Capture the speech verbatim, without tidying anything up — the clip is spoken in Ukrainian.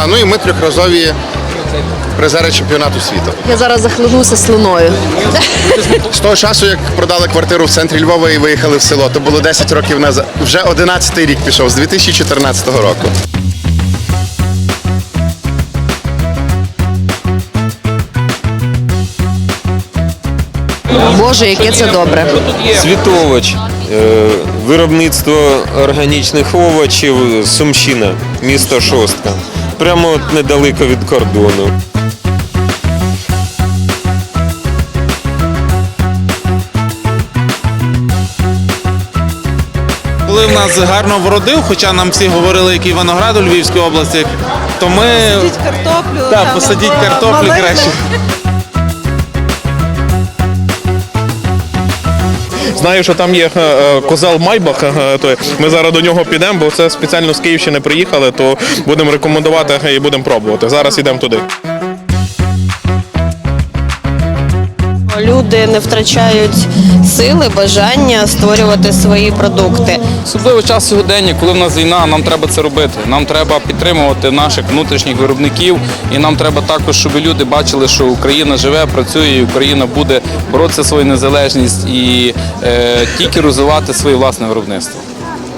Да, ну і ми трьохразові призери чемпіонату світу. Я зараз захлинуся слиною. З того часу, як продали квартиру в центрі Львова і виїхали в село, то було десять років назад. Вже одинадцятий рік пішов, з дві тисячі чотирнадцятого року. Боже, яке це добре. Світович, е, виробництво органічних овочів, Сумщина, місто Шостка. Прямо от недалеко від кордону. Коли в нас гарно вродив, хоча нам всі говорили, який виноград у Львівській області, то ми... Посадіть картоплю. Так, там, посадіть або картоплю малини. краще. Знаю, що там є е, козел Майбах, е, то ми зараз до нього підемо, бо це спеціально з Київщини приїхали, то будемо рекомендувати і будемо пробувати. Зараз йдемо туди. Люди не втрачають сили, бажання створювати свої продукти. Особливо час сьогодення, коли в нас війна, нам треба це робити. Нам треба підтримувати наших внутрішніх виробників, і нам треба також, щоб люди бачили, що Україна живе, працює, і Україна буде боротися за свою незалежність і е, тільки розвивати своє власне виробництво.